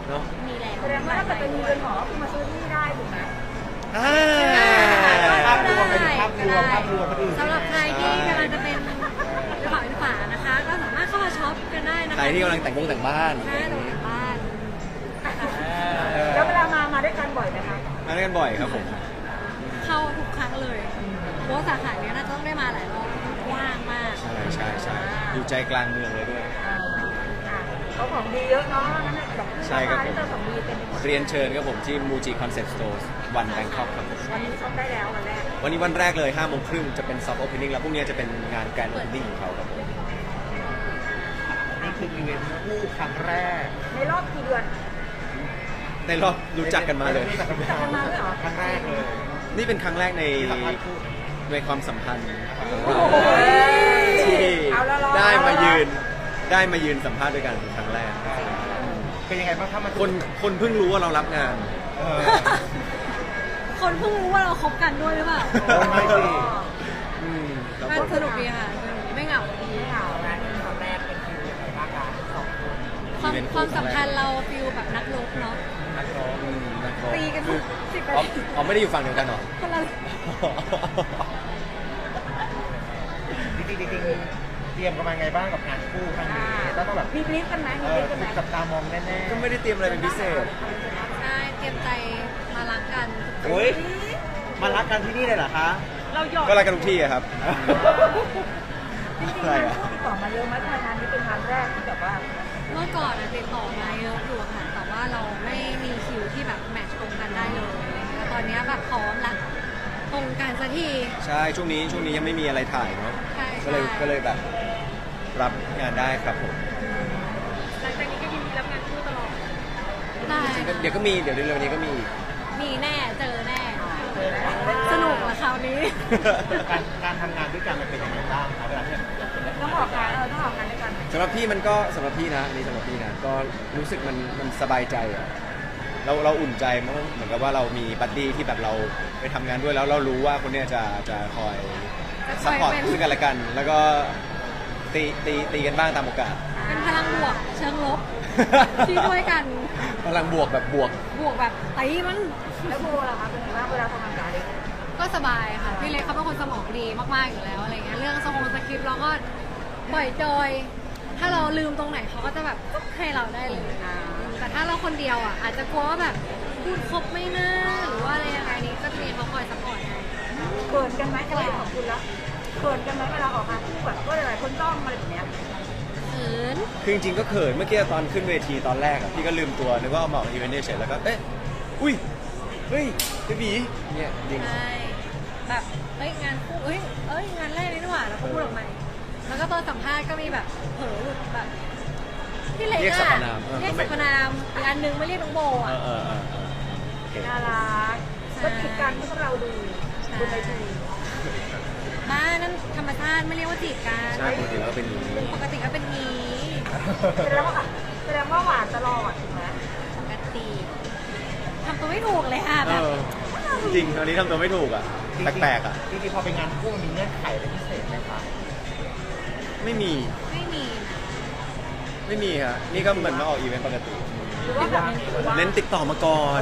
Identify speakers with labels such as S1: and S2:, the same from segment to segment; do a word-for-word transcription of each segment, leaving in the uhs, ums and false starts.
S1: เนาะ
S2: มีแล้ว
S3: แสดงว่าถ้าเกิดเป็นเรือนหอคือมาซื้อที่ได้ถูกไหม
S1: ภาพรวมไปถึงภาพรวมภาพรวมคนอื่น
S2: สำหรับใครที่กำลังจะเป็นกระเป๋าเป็นฝานะคะ ก็สามารถเข้ามาช็อปกันได้นะคะ
S1: ใครที่กำลังแต่งวงแต่งบ้าน
S2: ใช่แต่งบ้าน
S3: แล้วเวลามามาด้วยกันบ่อยไหมคะ
S1: มาด้วยกันบ่อยครับผม
S2: เข้าทุกครั้งเลยเพราะสาขาเนี้ยน่าจะต้องได้มาหลายรอบว่างมาก
S1: ใช่ใช่ใช่อยู่ใจกลางเมืองเลยด้วย
S3: เขาของดีเยอะเนาะนั่นแหละแบบ
S1: ใช่ครับผม
S3: ของดีเป็น
S1: เรียนเชิญครับผมที่มูจิคอนเซ็ปต์สโตร์วันแบงคอกครับ
S3: วันนี้ช็อปได้แล้ววันแรก
S1: วันนี้วันแรกเลยห้าโมงครึ่งจะเป็นซอฟต์โอเพนนิ่งแล้วพรุ่งนี้จะเป็นงานแกรนด์โอเพนนิ่งของเขาครับผม
S4: นี่คืออีเวนต์คู่ครั้งแรก
S3: ในรอบกี่เดือน
S1: ในรอบรู้จักกันมาเลย
S3: รู้จักกันมาเลยเหรอ
S4: ครั้งแรกเลย
S1: นี่เป็นครั้งแรกในในความสัมพันธ์
S3: ที่
S1: ได้มายืนได้มายืนสัมภาษณ์ด้วยกันเป็นครั้งแรก
S4: เป็นยังไงบ้างครับมัน
S1: คนคนเพิ่งรู้ว่าเรารับงาน
S2: คนเพิ่งรู้ว่าเราคบกันด้วยหรือเปล่า
S4: ไม่สิ
S2: มันสนุกดีค่ะไม่เหงาดี
S3: ไม่เหงางานครั้งแรกเป็นฟิลอะไรบ้างคะสองคน
S2: ความความสัมพันธ์เราฟิลแบบนักรบเนาะ
S1: นักรบ
S2: ตีกันสิบ
S1: อ๋อไม่ได้อยู่ฝั่งเดียวกันหรอ
S2: คนละ
S4: จริงจริงเตรียมกันมาไงบ้างกับงานคู่ครั้งนี้แล้วต้องแบบ
S3: มีบลิฟกันไหมมีบลิฟกันไหม
S4: จับตามองแน่ๆ
S1: ก็ไม่ได้เตรียมอะไรเป็นพิเศษ
S2: ใช่เตรียมใจมารักกัน
S4: โอ้ยมารักกันที่นี่เลยเหรอคะ
S3: เราหยอก
S1: ก็รักกันทุกที่อะครับ
S3: จริงๆงานคู่ติดต่อมาเยอะไหมทำงานนี้เป็นงานแรกที่แบบว่า
S2: เมื่อก่อนติดต่อมาเยอะอยู่ค่ะแต่ว่าเราไม่มีคิวที่แบบแมทช์ตรงกันได้เลยแต่ตอนนี้แบบพร้อมละตรงกันสักที
S1: ใช่ช่วงนี้ช่วงนี้ยังไม่มีอะไรถ่ายเนาะก็เลยก็เลยแบบรับงานได้ครับผม
S3: หลังจากนี้ก็ยินดีรับงานคู่ตลอด
S2: ได้
S1: เดี๋ยวก็มีเดี๋ยวเร็วๆนี้ก็มี
S2: มีแน่เจอแน่สนุกละคราวนี้
S4: การการทำงานด้วยกันมันเป็นยังไงบ้างครับเวลาที่
S3: ต้องออกงานเออต้องออกงานด้วยกัน
S1: สำหรับพี่มันก็สำหรับพี่นะนี่สำหรับพี่นะก็รู้สึกมันมันสบายใจอะเราเราอุ่นใจมั้งเหมือนกับว่าเรามีบัดดี้ที่แบบเราไปทำงานด้วยแล้วเรารู้ว่าคนเนี้ยจะจะคอยซัพพอร์ตซึ่งกันและกันแล้วก็ตีตีตีกันบ้างตามโอกาส
S2: เป็นพลังบวกเชิงลบที่ด้วยกัน
S1: พลังบวกแบบบวก
S2: บวกแบบตีมัน
S3: แล้วโบล่ะคะเป็นไงบ้างเวลาทำงานกัน
S2: ก็สบายค่ะพี่เล็กเขาเป็นคนสมองดีมากๆอยู่แล้วอะไรเงี้ยเรื่องสมองสคริปต์เราก็ปล่อยจอยถ้าเราลืมตรงไหนเขาก็จะแบบให้เราได้เลยแต่ถ้าเราคนเดียวอ่ะอาจจะกลัวว่าแบบพูดครบไม่น่าหรือว่าอะไรยังไงนี้ก็จะมีเขาคอยซัพพอร์ตให้
S3: เขินกันไหมอะไรของคุณละเขินกันไหมเวลาออกมาคู่แบบก็หลายคนจ้องอะไรแบบเนี้ย
S2: เขิน
S1: คือจริงๆก็เขินเมื่อกี้ตอนขึ้นเวทีตอนแรกอ่ะพี่ก็ลืมตัวนึกว่าเอามาอีเวนต์เฉยแล้วก็เอ๊ะอุ้ยเฮ้ยเบบีเนี่ยจริง
S2: ใช่แบบเฮ้ยงานคู่เฮ้ยเอ้ยงานแรกนี่หว่าแล้วก็พูดออกมาแล้วก็ตอนสัมภาษณ์ก็มีแบบเผลอหลุดแบบพี่เล็กอะเรียกสรรพนามเรียกสรรพนามอีกอันนึงไม่เรียกน้องโบอ่ะ
S3: น่ารักก็จีบกันที่พวกเราดูบนเวที
S2: บ้านั่นธรรมชาติไม่เรียกว่าจีบกัน
S1: ใช่ปกติแล้วเป็นนี้
S2: ปกติก็เป็นนี้
S3: แสดงว่าแสดงว่าหวานตลอดถูกไหม
S2: ปกติทำตัวไม่ถูกเลยค่ะแบบ
S1: จริงตอนนี้ทำตัวไม่ถูกอ่ะแปลกๆอ่ะ
S4: จริงๆพอเป็นงานคู่มีเงื่อนไขอะไรพิเศษไหมคะ
S1: ไม่มี
S2: ไม่มี
S1: ไม่มีครับนี่ก็เหมือนมาออกอีเวนต์ปกติเน้นติดต่อมาก่อน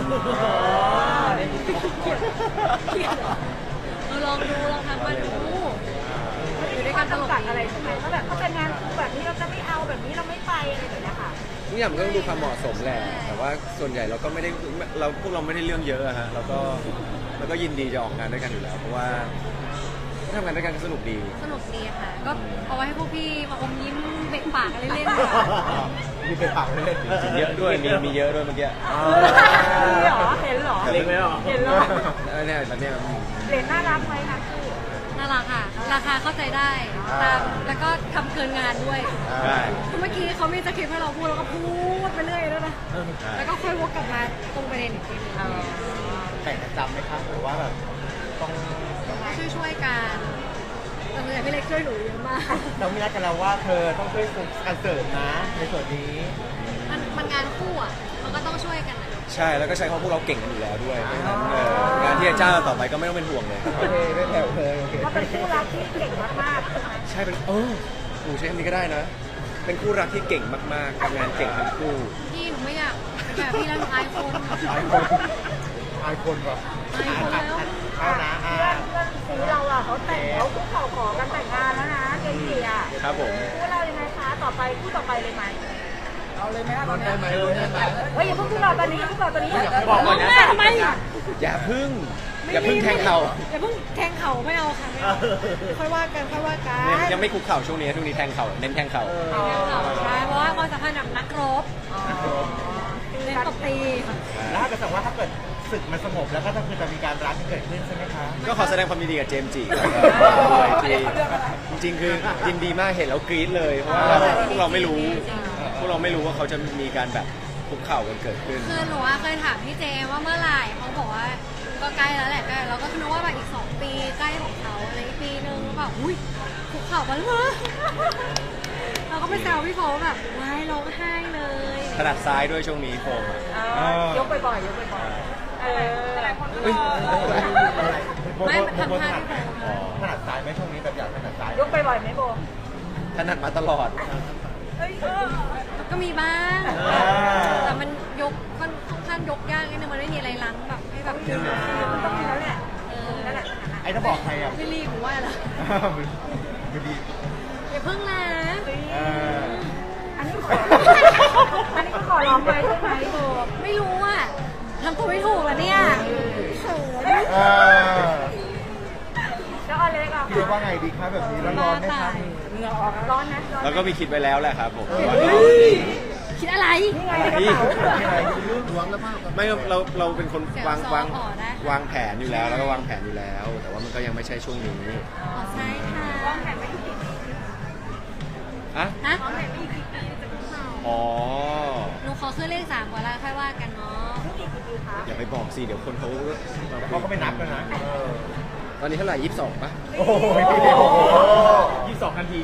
S2: เราลองดูลองทำมาดู
S3: อยู่ด้วยกันตลอดอะไรใช่ไหมว่าแบบเขาเป็นงานคู่แบบนี้เราจะไม่เอาแบบนี้เราไม่ไปอะไรแบบนี้ค่ะ
S1: ทุกอย่างมันก็ต้องดูความเหมาะสมแหละแต่ว่าส่วนใหญ่เราก็ไม่ได้เราพวกเราไม่ได้เรื่องเยอะฮะเราก็เราก็ยินดีจะออกงานด้วยกันอยู่แล้วเพราะว่าทำงานด้วยกันสนุกดี
S2: สนุกดีค่ะก็เอาไว้ให้พวกพี่มาอมยิ้มเบะปากอะไรเล่น
S4: มีเป็นปากเล่น
S1: เยอะด้วยมีมีเยอะด้วยเมื่อกี้
S3: มีหรอเห็นหรอ
S4: เห็นไหมหรอ
S3: เห็นหรอ
S1: เนี่ยตอนนี้
S3: เหรียญน่ารักไหมคะคือ
S2: น่ารักค่ะราคาเข้าใจได้ตามแล้วก็ทำเกินงานด้วย
S1: ใช่
S2: เมื่อกี้เขามีสคริปต์ให้เราพูดแล้วก็พูดไปเรื่อยแล้วนะแล้วก็ค่อยวกกลับมาตรงประเด็นอีกทีนึง
S4: แต่งประจำไหมครับหรือว่าแบบต้อง
S2: ช่วยช่วยกันแต่เมื่อพี่เล็กช่วยหนูเยอะมาก
S4: เราไม่รักกันแล้วว่าเธอต้องช่วยการเสริมนะในส่วนนี้
S2: มันมันงานคู่อ่ะมันก็ต้องช่วยกัน
S1: ใช่แล้วก็ใช้ข้อพวกเราเก่งกันอยู่แล้วด้วยงานที่จะจ้างต่อไปก็ไม่ต้องเป็นห่วงเลย
S4: โอเคไม่แผ่วเลยโอเค
S3: ว่าเป็นคู่รักที่เก่งมากๆ
S1: ใช่เป็นเออหนูใช้คำนี้ก็ได้นะเป็นคู่รักที่เก่งมากๆทำงานเก่งทั้งคู่
S2: พี่หนูไม่อยากแบบพี่แล้วหนูอายคน
S4: หลายคนหลายคนแบบ
S2: อายคนแล้ว
S4: เอานะอ่า
S3: เพื่อนเพื่อนซีเราอ่ะเขาแต่งเขาคุกเข่าขอกันแต่งงานแล้วนะเจนจีอ่ะ
S1: ครับผม
S3: คู่เรายังไงคะต่อไปคู่ต่อไปเลยไหมเอาเลยไหมคะตอนนี้
S4: ได้ไหมรู้ได้ไหม
S3: เฮ้ยอย่าเพิ่งคู่เราตอนนี้คู่เราตอนนี้
S4: บอกก่อนนะ
S2: แม่ทำไม
S1: อย่าพึ่งอย่าพึ่งแทงเข่า
S2: อย่าเพิ่งแทงเข่าไม่เอาค่ะไม่เอาค่อยว่ากันค่อยว่ากัน
S1: เนี่ยยังไม่คุกเข่าช่วงนี้ช่วงนี้แทงเข่าเน้นแทงเข่า
S2: แทงเข่าใช่เพราะว่าความสัมพันธ์แบบนักรบเล่นตบตี
S4: แล้วถ้าเกิดสมมติว่าถ้าเกิดศึกมันสงบแล้วก็จะคือจะมีการรักที่เกิดขึ้นใช่ไหมคะ
S1: ก็ขอแสดงความยินดีกับเจมส์จิด้วยที่จริงๆคือยินดีมากเห็นแล้วกรี๊ดเลยเพราะว่าพวกเราไม่รู้พวกเราไม่รู้ว่าเขาจะมีการแบบคุกเข่ากันเกิดขึ้น
S2: คือหนูว่าเคยถามพี่เจว่าเมื่อไหร่เขาบอกว่าก็ใกล้แล้วแหละใกล้เราก็คิดว่าแบบอีกสองปีใกล้ของเขาอะไรอีกปีนึงแบบอุ้ยคุกเข่ากันเลย เราก็ไปแซวพี่โฟแบบว้ายร้องไห้เลย
S1: ถนัดซ้ายด้วยช่วงนี้โฟม
S3: ยกบ่อยๆยกบ่อยๆเออหลายคนก็
S1: เฮ้ย
S2: ไม่มันทำท่าพี่โฟ
S4: ถนัดซ้ายไหมช่วงนี้แบบอยากถนัดซ้าย
S3: ยกบ่อยๆไหมโบ
S1: ถนัดมาตลอด
S3: เอ้ยเออ
S2: ก็มีบ้าง
S4: อ่า
S2: แต่มันยกค่อนข้างยกยากนิดนึงมันไม่มีอะไรล้างแบบให้แบบ
S3: มันต้องมีแล้วแหละ
S2: เออ
S3: นั่นแหละ
S4: ไอ้ถ้าบอกใครอ่ะ
S2: ไม่รีบหนูว่าเหรอ
S4: ไม่ดี
S2: อย่าเพิ่งนะ
S4: เออ
S3: อันนี้ขออันนี้ก็ขอร้องไปใช่ไหมโบ
S2: ไม่รู้อ่ะทำตัวไม่ถูกแล้วเนี่ยเขิน
S4: เออ
S3: แล้วอเล็กอ่ะ
S4: คิดว่าไงดีคะแบบนี้แล้วร้อนไหมคะ
S3: เหงื่อออกร้อนนะร้อน
S1: แล้วก็มีคิดไว้แล้วแหละครับผม
S2: คิดอะไร
S3: นี่ไงในกระเป๋า
S1: ไม่เราเราเป็นคน
S2: เดี๋ยว
S1: วาง
S2: ซ้อม
S1: วาง
S2: ต่อได้
S1: วางแผนอยู่แล้วแล้วก็วางแผนอยู่แล้ว แต่ว่ามันก็ยังไม่ใช่ช่วงนี้
S2: อ๋อใช่ค่ะ
S3: วางแผนไว้กี่ปี
S1: อะ
S2: ฮะ
S3: วางแผนไว้กี่ปีจะคุกเข่า
S1: อ๋อ
S2: หนูขอขึ้นเลขสามก่อนแล้วค่อยว่ากันเนาะ
S3: นี่กี่ปีคะ
S1: อย่าไปบอกสิเดี๋ยวคนเขา
S4: เขาก็ไม่นับกันนะเออ
S1: ตอนนี้เท่าไหร่ยี่สิบสองปะ
S4: โอ้โหยี่สิบสองนาที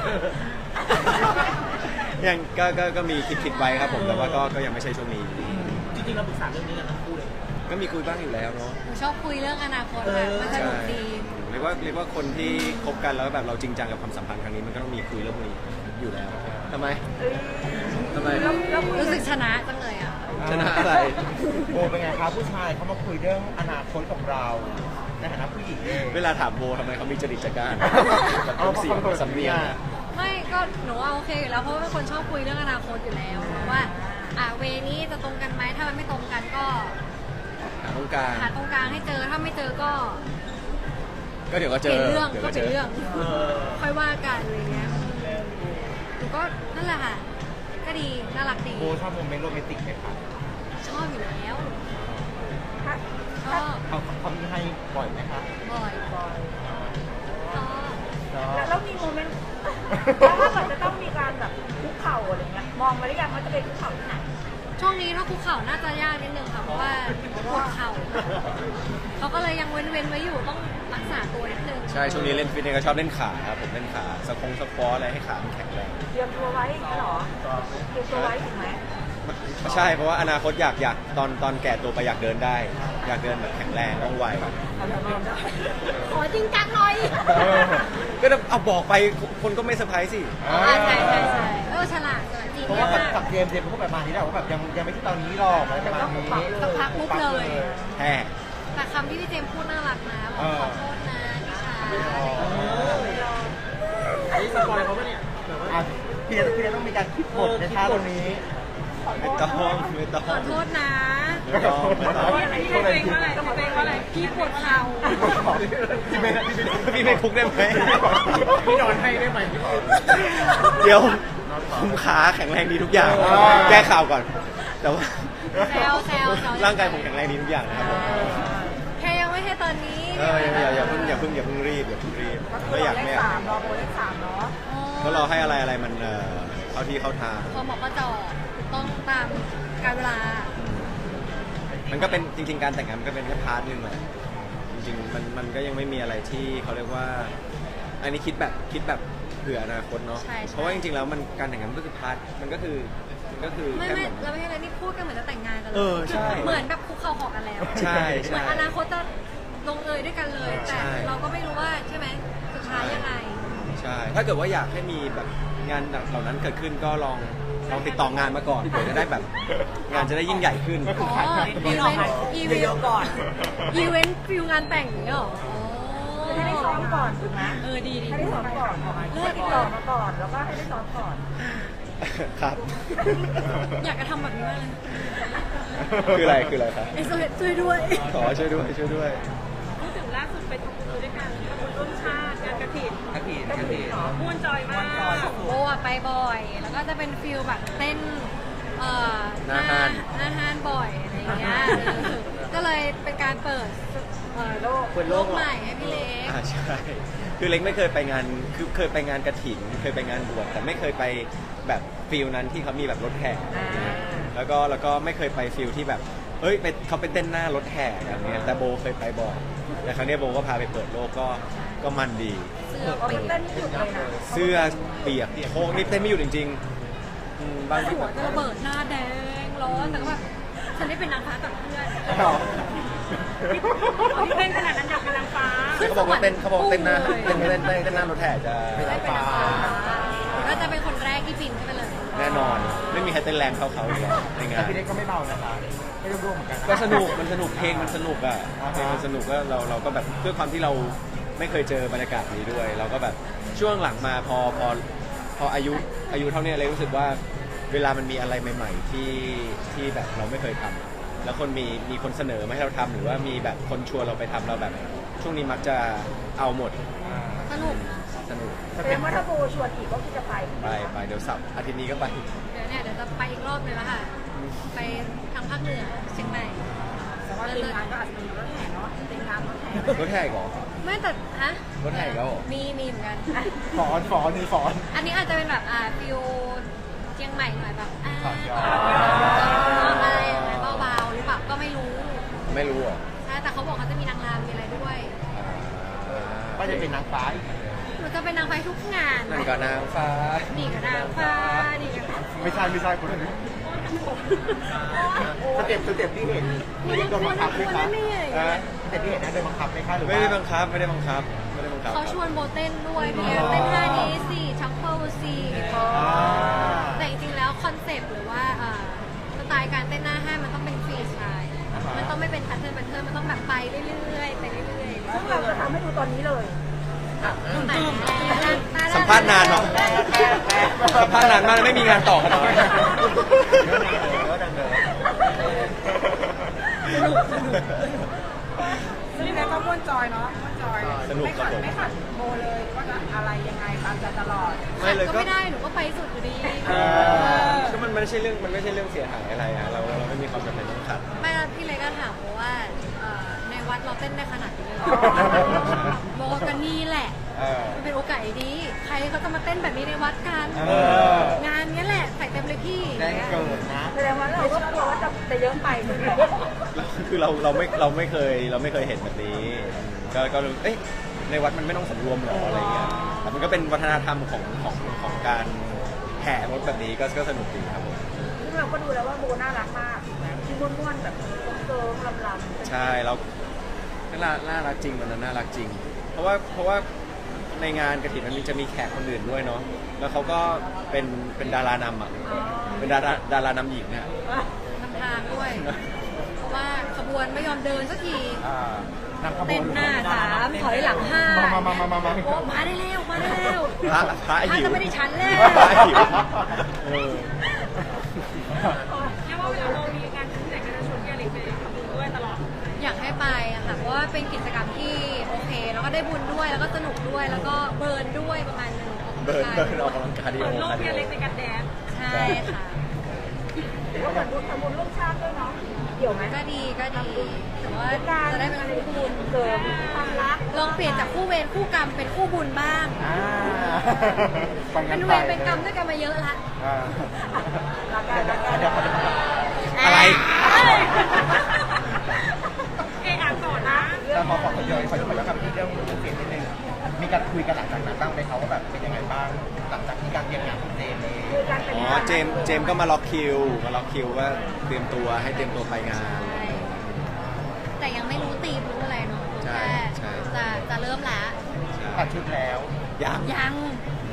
S1: ยังก็ก็ก็มีคิดคิดไว้ครับผมแต่ว่าก็ก็ยังไม่ใช่ช่วงนี้
S4: จริงๆเราปรึกษาเรื่องนี้กันทั้งคู่เลย
S1: ก็มีคุยบ้างอยู่แล้วเนาะ
S2: หนูชอบคุยเรื่องอนาคตแบบมันสนุกดี
S1: เรียกว่าเรียกว่าคนที่คบกันแล้วแบบเราจริงจังกับความสัมพันธ์ครั้งนี้มันก็ต้องมีคุยเรื่องนี้อยู่แล้วทำไมทำไม
S2: รู้สึกชนะจังเลยอ่ะ
S1: ชนะอะไร
S4: โบเป็นไงครับผู้ชายเขามาคุยเรื่องอนาคตของเราในฐานะผู้หญิงเอง
S1: เวลาถามโบทำไมเขามีจริตจักราน
S4: เอา
S1: เสียงสำเนียง
S2: ไม่ก็หนูว่าโอเคอยู่แล้วเพราะว่าเป็นคนชอบคุยเรื่องอนาคตอยู่แล้วว่าอ่ะเวนี้จะตรงกันไหมถ้ามันไม่ตรงกันก็
S1: หาตรงกลาง
S2: หาตรงกลางให้เจอถ้าไม่เจอก็
S1: ก็เดี๋ยวก็
S2: เป
S1: เจ
S2: ลี่ย
S1: อน
S2: เรื่อง
S1: ดี๋ยว
S2: ก็
S1: ก็
S2: เป
S1: เจ
S2: ลี่ยน
S1: อ
S2: เรื่องค่อยว่ากันอะไรเงี้ยหนูก็นั่นแหละค่ะ ก็ดีน่ารักดี
S4: โบชอบโมเมนต์โรแมนติกไหมครับ
S2: ชอบอยู่แล้ว
S3: ถ้า
S2: ชอบ
S4: เขาเขามีให้บ่อยไหมครับ
S2: บ่อยชอบ
S3: แล้วแล้วมีโมเมนต์แล้วถ้าเกิดจะต้องมีการแบบคุกเข่าอะไรเงี้ยมองมาหรือยังว่าจะเป็นคุกเข่าที่ไหน
S2: ช่วงนี้ถ้าคุกเข่าน่าจะยากนิดนึงค่ะเพราะว่าปวดเข่าเขาก็เลยยังเว้นๆไว้อยู่ต้องรักษาตัวนิดนึง
S1: ใช่ช่วงนี้เล่นฟิตเนสก็ชอบเล่นขาครับผมเล่นขาสะคงสะควออะไรให้ขามันแข็งแรง
S3: เตรียมตัวไว้อย่างเงี้ยเหรอเตรียมตัวไว้ถูกไหม
S1: ใช่เพราะว่าอนาคตอยากอยากตอนตอนแก่ตัวไปอยากเดินได้ อยากเดินแบบแข็งแรงว่องไว
S2: ขอจริงจังหน่อย
S1: ก็เอาบอกไปคนก็ไม่เซอร์ไพรส์สิ
S2: อ๋อใช่ใช่ใช่เออฉลาดฉลาดจริง
S4: เพราะว่า
S2: มา
S4: กับ
S2: ก
S4: เจมส์เจมส์เขาแบบมานี้แหละว่าแบบยังยังไม่ใช่ตอนนี้หรอกอะไรประมาณนี้
S2: สักพักปุ๊บเลย
S1: แฮ่
S2: แต่คำที่พี่เจมส์พูดน่ารักนะบอกขอโทษนะนิชา
S4: นี่สปอยเขาปะเนี่ยอ่ะพี่เดพี่เดต้องมีการคิดบทในท่าตรงนี้
S1: ไม่ต้องไม่ต้อง
S2: ขอโทษนะ
S1: ไม่ต้องไม่ต้อง
S2: พี่เจมส์ว่าอะไรพี่เจมส์ว่าอะไรพี่ปวดเข่า
S4: พี่ไม่พี่ไม่
S1: พี่ไม่คุกได้ไหม
S4: พี่นอนให้ได้ไหม
S1: เดี๋ยวคุมขาแข็งแรงดีทุกอย่าง แก้ข่าวก่อน แต่ว่า
S2: แซวแซวแซว
S1: ร่างกายผมแข็งแรงดีทุกอย่างนะครับผม
S2: แค่ยังไม่ใช่ตอนนี้
S1: เอออย่าอย่าอย่าเพิ่งอย่าเพิ่งอย่าเพิ่งรีบอย่าเพิ่งรีบไม่อยากไม่อยาก
S3: สามรอโบเลขสามเนาะ
S1: ก็รอให้อะไรอะไรมันเอ่อเข้าที่เข้าทาง
S2: พอหมอก็จอดต้องตามการเวลา
S1: มันก็เป็นจริง ๆ การแต่งงานมันก็เป็นแค่พาร์ทหนึ่งแหละจริงๆมันมันก็ยังไม่มีอะไรที่เขาเรียกว่า อันนี้คิดแบบคิดแบบเผื่ออนาคตเนาะ
S2: ใช่ใช่
S1: เพราะว่าจริงๆแล้วมันการแต่งงานมันก็คือพาร์ทมันก็คือมันก็คือ
S2: ไม่
S1: แค่
S2: ไม่
S1: เหมือน
S2: เราไม่ใช่อะไรนี่พูดกันเหมือนจะแต่งงานกันเลย
S1: เออใช่
S2: เหมือนแบบคุกเข่าขอกันแล้ว
S1: ใช่
S2: เห
S1: ใช่
S2: มือนอนาคตจะลงเอยด้วยกันเลย แต่
S1: ใช่
S2: เราก็ไม่รู้ว่าใช่ไหมสุดท้ายยังไง
S1: ใช่ ถ้าเกิดว่าอยากให้มีแบบงานเหล่านั้นเกิดขึ้นก็ลองลองติดต่องานมาก่อนเผื่อจะได้แบบงานจะได้ยิ่งใหญ่ขึ้น
S2: อ๋ออีเวนต์อีเวนต์ก่อนอีเวนต์ฟิลงานแต่งอย่างเงี้ยเหรออ๋อ
S3: ให้ได้ซ้อมก่อนถูกไหม
S2: เออดีดี
S3: ให้ได้ซ้อมก่อนให้ติดต่อมาก่อนแล้วก็ให้ได้ซ้อมก่อน
S1: ครับ
S2: อยากจะทำแบบนี้มากเลย
S1: คืออะไรคืออะไรครับ
S2: เอสโอเอสช่วยด้วย
S1: ขอช่วยด้วยช่วยด้วย
S3: พูดถึงล่าสุดไปทำบุญด้วยกันทำบุญร่วมชาติงานกระถิ่น
S4: กระถิ่นกระถิ่น
S3: ม่วนจอยมาก
S2: โบอะไปบ่อย แล้วก็จะเป็นฟิลแบบเต้นเอ่อ
S1: หน้าห้าน
S2: หน้าห้านบ่อยอะไรอย่างเงี้ยเออก็เลยเป็นการเปิดเอ่อโลก
S1: เปิดโลกเหรอ
S2: ใหม่ให้พี่เล็ก
S1: อ่าใช่ คือเล็กไม่เคยไปงาน คือเคยไปงานกระถิ่น เคยไปงานบวช แต่ไม่เคยไปแบบฟิลนั้นที่เขามีแบบรถแห่แล้วก็แล้วก็ไม่เคยไปฟิลที่แบบ เอ้ยไปเขาไปเต้นหน้ารถแห่แบบเนี้ยแต่โบเคยไปบ่อย แต่ครั้งเนี้ยโบก็พาไปเปิดโลกก็ก็มันดี
S2: เสื้อ
S3: เขา
S2: เปี
S3: ไป
S2: ย
S3: เต้
S2: ก
S3: นไม่หยุดเลยนะ
S1: เสื้อเปียกโค้งนี่เต้นไม่หยุดจริงๆอืมบางที
S2: หัวจะระเบิดหน้าแดงร้อนแต่ก็แบบฉันได้เป็นนางฟ้ากับเพื่อน
S3: ที่เต้นขนาดนั้นอยากเป็นนางฟ้า
S1: เขาบอกว่าเต้นเขาบอกว่าเต้นหน้าเต้นเต้นเต้นเต้นหน้ารถแห่จะ
S2: ได้เป็นนางฟ้าก็จะเป็นคนแรกที่บินขึ้นไปเลย
S1: แน่นอน ไม่มีใครเต้นแรงเท่าเขาอยู่แล้วในงา
S4: แต่
S1: น
S4: พี่เล็กก็ไม่เบานะคะไม่ร่วมๆเหมือนกัน
S1: ก็สนุก มันสนุก เพลงมันสนุกอ่ะ เพลงมันสนุกก็เราเราก็แบบด้วยความที่เราไม่เคยเจอบรรยากาศนี้ด้วย เราก็แบบช่วงหลังมาพอพอพออายุอายุเท่านี้เลยรู้สึกว่าเวลามันมีอะไรใหม่ๆที่ที่แบบเราไม่เคยทำแล้วคนมีมีคนเสนอมาให้เราทำหรือว่ามีแบบคนชวนเราไปทำเราแบบ ช่วงนี้มักจะเอาหมด
S2: สนุก
S1: สนุก
S3: แสดงว่าถ้าโบชวนอีกก็คือจะไป
S1: ไปไปเดี๋ยวสับอาทิตย์นี้ก็ไป
S2: เดี๋ยวเนี่ยเดี๋ยวจะไปอีกรอบนึงแล้วค่ะ ไปทางภาคเหนือเชียงใหม่
S3: แต่ว่าทีมงานก็อาจจะมีรถแห่เนาะทีมงานรถแห่
S1: รถแห่อีก่อน
S2: ไม่แต่ฮะ
S1: รถแห่อีกแล้วเหรอ
S2: มีมีเหมือนกัน
S4: ฟอนฟอนนี่ฟอน
S2: อันนี้อาจจะเป็นแบบอ่าฟิวเชียงใหม่หน่อยแบบอ่า
S4: ขอย้อน
S2: อะไรอย่างเงี้ยเบาๆหรือเปล่าก็ไม่รู้
S1: ไม่รู้เหรอ
S2: ใช่แต่เขาบอกเขาจะมีนางรำมีอะไรด้วย
S4: ก็จะเป็นนางฟ้าอีก
S2: หนูจะเป็นนางไฟทุกงาน
S1: นั่นก็นางฟ้า
S2: นี่กับนางฟ้านี่กับ
S4: ไม่ใช่ไม่ใช่คนละนี้สเต็ปสเต็ปที่เห็นพี่เล็กโดนบังคับไหมคะเออสเต็ปที่เห็นนะโดนบังคับไหมคะหรือว่า
S1: ไม่ได้บังคับไม่ได้บังคับไม่ได้บังคับ
S2: เขาชวนโบเต้นด้วยเนี่ยเต้นท่านี้สิชักเปิลสิ
S4: อ่า
S2: แต่จริงๆแล้วคอนเซปต์หรือว่าเอ่อสไตล์การเต้นหน้าห้างมันต้องเป็นฟรีสไตล์มันต้องไม่เป็นแพทเทิร์นแพทเทิร์นมันต้องแบบไปเรื่อยๆไปเรื่อยๆ
S3: ซึ่งเราจะทำให้ดูตอนนี้เลย
S1: สัมภาษณ์นานเนาะสัมภาษณ์นานมากไม่มีงานต่อกันเลย
S3: ซึ่งแล้วก็ม่วนจอยเนาะม่วนจอย
S1: สนุกครับผม
S3: ไม่ขัดโบเลยว่าจะอะไรยังไงตามใจตลอด
S1: ไม่เลย
S2: ก็
S1: ก็
S2: ไม่ได้หนูก็ไปสุดอยู่ดี
S1: เออก็มันไม่ใช่เรื่องมันไม่ใช่เรื่องเสียหายอะไรอะเราเราไม่มีความจำเป็นต้องขัด
S2: ไม่แล้วพี่เล็กก็ถามโบว่าเอ่อในวัดเราเต้นได้ขนาดนี้เลยเหรอโบก็นี่แหละ
S4: เออ
S2: มันเป็นโอกาสดี ใครเขาจะมาเต้นแบบนี้ในวัดกัน
S4: เออ
S2: งานเนี้ยแหละใส่เต็มเลยพี่
S4: แจ้งเกิดนะ
S3: แสดงว่าเราก็กลัวว่าจะจะเยอะไปใช่ไหม
S1: คือเราเราไม่เราไม่เคยเราไม่เคยเห็นแบบนี้ ก็ก็รู้เอ้ยในวัดมันไม่ต้องสำรวมหรออะไรเงี้ยแต่มันก็เป็นวัฒนธรรมของของของการแห่รถแบบนี้ก็ก็สนุกดีครับผม
S3: ซึ่งเราก็ดูแล้วว่าโบน่ารักมากนะที่ม้วนๆแบบเกิร์ลลำๆ
S1: ใช่เราน่าน่ารักจริงมันน่ารักจริง เพราะว่าเพราะว่าในงานกฐินมันมีจะมีแขกคนอื่นด้วยเนาะแล้วเขาก็เป็นเป็นดารานำอ่ะเป็นดาราดารานำหญิงเนี่ย
S2: นำทางด้วย เพราะว่าขบวนไม่ยอมเดินสักที
S4: อ่านำขบวน
S2: เต้นหน้าสามถอยหลังห้า
S4: มามามามามา
S2: โอ้มาได้แล้วมาได้แล้ว
S1: พระพระหิว
S2: จะไม่ได้ชั้นแล้ว
S1: พระหิวเออ
S3: แค่ว่าเวลาเรามีการขึ้นแต่ก็จะชวนพี่อเล็กไปทำบุญด้วยตลอด
S2: อยากให้ไปอะค่ะเพราะว่าเป็นกิจกรรมที่โอเค แล้วก็ได้บุญด้วยแล้วก็สนุกด้วยแล้วก็เบิร์นด้วยประมาณหนึงออก
S1: เบิร์น
S2: กำลัง
S1: เบิร์น
S2: กาย
S1: ออกกำลังกายดี
S3: เปิด
S1: โอ
S3: โลก
S1: คาร์ดิ
S3: พี่อ
S1: โอ
S3: เล็กในการแดนซ์
S2: ใช่ค่ะ
S3: ถือว่าเหมือนบุญทำบุญร่วมชาติด้วยเนาะเกี่ยวไหม
S2: ก็ดีก็ดีแต่ว่า
S3: การ
S2: จะได้เป็นคู่บุญ
S3: เสริมความรัก
S2: ลองเปลี่ยนจากคู่เวรคู่กรรมเป็นคู่บุญบ้าง
S4: อ่าไป
S2: เป็
S4: งั้
S2: น
S4: น
S2: เว
S4: ไป
S2: รเป็นกรรมด้วยกันมาเยอะละ
S4: อ่า
S3: รักกันรักกัน
S4: เดี๋ยวเดี๋ยวเดี๋ยว
S1: อะไร
S3: เออ่านต่อนะ
S4: แต่พอขอขยอยขอขยอยกับที่เรื่องเสียงนิดนึงมีการคุยกันหลังจากนั้นบ้างไหมเขาว่าแบบเป็นยังไงบ้างหลังจากที่การเตรียมงานของเจมส์เอง
S3: คือการเป็น
S1: อ๋อเจมส์เจมส์ก็มาล็อกคิวมาล็อกคิวว่าเตรียมตัวให้เตรียมตัวไปงาน
S2: ใช่แต่ยังไม่รู้ตีมรู้อะไรเนาะรู้
S1: ใช่
S2: แค่
S1: ใช่
S2: จะจะเริ่มละ
S4: ตัดชุดแล้ว
S1: ยัง
S2: ยัง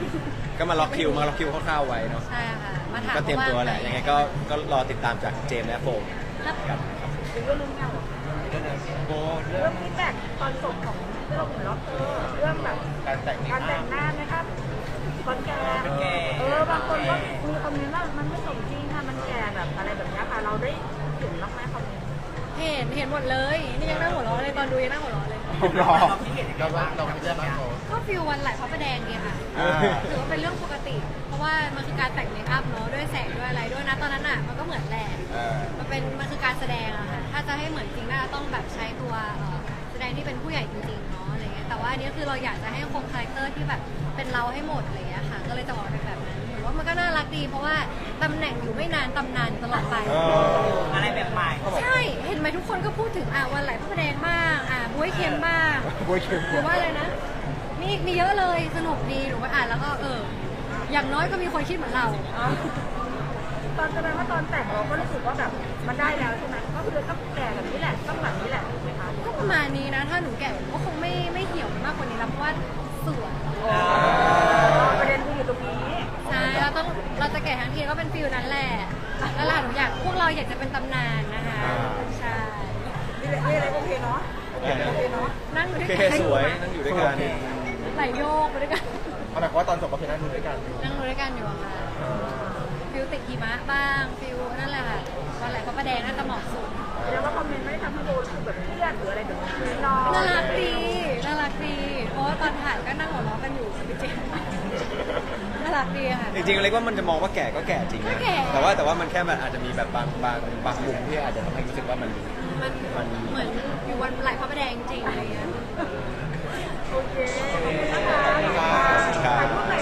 S1: ก็มาล็อกคิวมาล็อกคิวคร่าวๆไว้เนาะ
S2: ใช่ค่ะมาถาม
S1: ก็เตรียมตัวแหละยังไงก็ก็รอติดตามจากเจมส์และโฟม
S2: ครับ
S1: กัน
S3: หรือว่าเรื่องเงา
S4: โบเรื่
S3: เรื่
S4: อ
S3: อง งฟีดแบ็กตอนจบของที่เราเห็นล็อกเออเรื่องแบบ
S4: การแต่ง
S3: การแต่งหน้านะครับก่อนแก่เออบางคนก็มีคอมเมนต์ว่ามันไม่สมจริงค่ะมันแก่แบบอะไรแบบนี้ค่ะเราได้เห็นบ้างไหมคอมเมนต์
S2: เห็นเห็นหมดเลย นี่ยังนั่งหัวเราะเลยตอนดูยังนั่งหัวเราะเลย
S4: รอเราว่าเราไม่ได้บ้างโบ
S2: ก็ฟิลวันไหลพระประแดงดีค่ะ
S4: อ่า
S2: ถือว่าเป็นเรื่องปกติ เพราะว่ามันคือการแต่งเมคอัพเนาะด้วยแสงด้วยอะไรด้วยนะตอนนั้นอ่ะมันก็เหมือนแหละ
S4: เออ
S2: มันเป็นมันคือการแสดงอะค่ะ ถ้าจะให้เหมือนจริงน่าจะต้องแบบใช้ตัวเอ่อแสดงที่เป็นผู้ใหญ่จริงๆเนาะอะไรเงี้ย แต่ว่าอันนี้คือเราอยากจะให้คงคาแรคเตอร์ที่แบบเป็นเราให้หมดอะไรเงี้ยค่ะ ก็เลยจะออกเป็นแบบนั้นหรือว่ามันก็น่ารักดี เพราะว่าตำแหน่งอยู่ไม่นานตำนานตลอดไป
S3: อะไรแบบใหม่
S2: ใช่ เห็นไหมทุกคนก็พูดถึงอ่ะวันไหลพระประแดงบ้างอ่ะบวยเค็มบ้าง
S4: โบยเขียว
S2: หรือว่าอะไรนะ มีมีเยอะเลยสนุกดีหนูไปอ่านแล้วก็เออ อย่างน้อยก็มีคนคิดเหมือนเรา
S3: ตอนแสดงว่าตอนแต่งเราก็รู้สึกว่าแบบมันได้แล้วใช่ไหมก็คือต้องแก่แบบนี้แหละต้องแบบนี้แหละถูกไหมคะ
S2: ก็ประมาณนี้นะ ถ้าหนูแก่ก็คงไม่ไม่เหี่ยวมากกว่านี้แล้วเพราะว่าสวย
S3: ประเด็นคืออยู่ตรงนี้
S2: ใช่เราต้องเราจะแก่ทั้งทีก็เป็นฟิลนั้นแหละแล้วล่ะหนูอยากพวกเราอยากจะเป็นตำนานนะคะใช่
S3: นี่แหละนี่อะไรโอเคเนาะโอเคเนาะ
S2: นั่งอยู่
S1: โอ
S2: ด้วย
S1: เค
S2: กัน
S1: สวยนั่งอยู่ด้วยกัน
S2: ไหลโยกไปด้วยกัน
S4: เอาหมายความว่าตอนจบก็คือนั่งดูด้วยกัน
S2: นั่งดูด้วยกันอยู่อะค่ะฟิลติดหิมะบ้างฟิลนั่นแหละค่ะวันไหลพระประแดงน่าจะเหมาะสุด
S3: แล้วว่าคอมเมนต์ไม่ได้ทำให้โบรู้สึกแบบเครียดหรืออะไรแบบนี้คือน้อง
S2: น่ารักดีน่ารักดีเพราะว่าตอนถ่ายก็นั่งหัวเราะกันอยู่จริงๆน่ารักดีค่ะ
S1: จริงๆอะไรว่ามันจะมองว่าแก่ก็แก่จริง
S2: ก็
S1: นะ
S2: แก่
S1: แต่ว่าแต่ว่ามันแค่มันอาจจะมีแบบบางบางบางมุมที่อาจจะทำให้รู้สึกว่ามัน
S2: มัน
S1: มัน
S2: เหมือนอยู่วันไหลพระประแดงจริงๆอะไรเงี้ย
S3: โอเคขอบคุณนะคะ
S1: ครับ
S3: ถ่ายรูป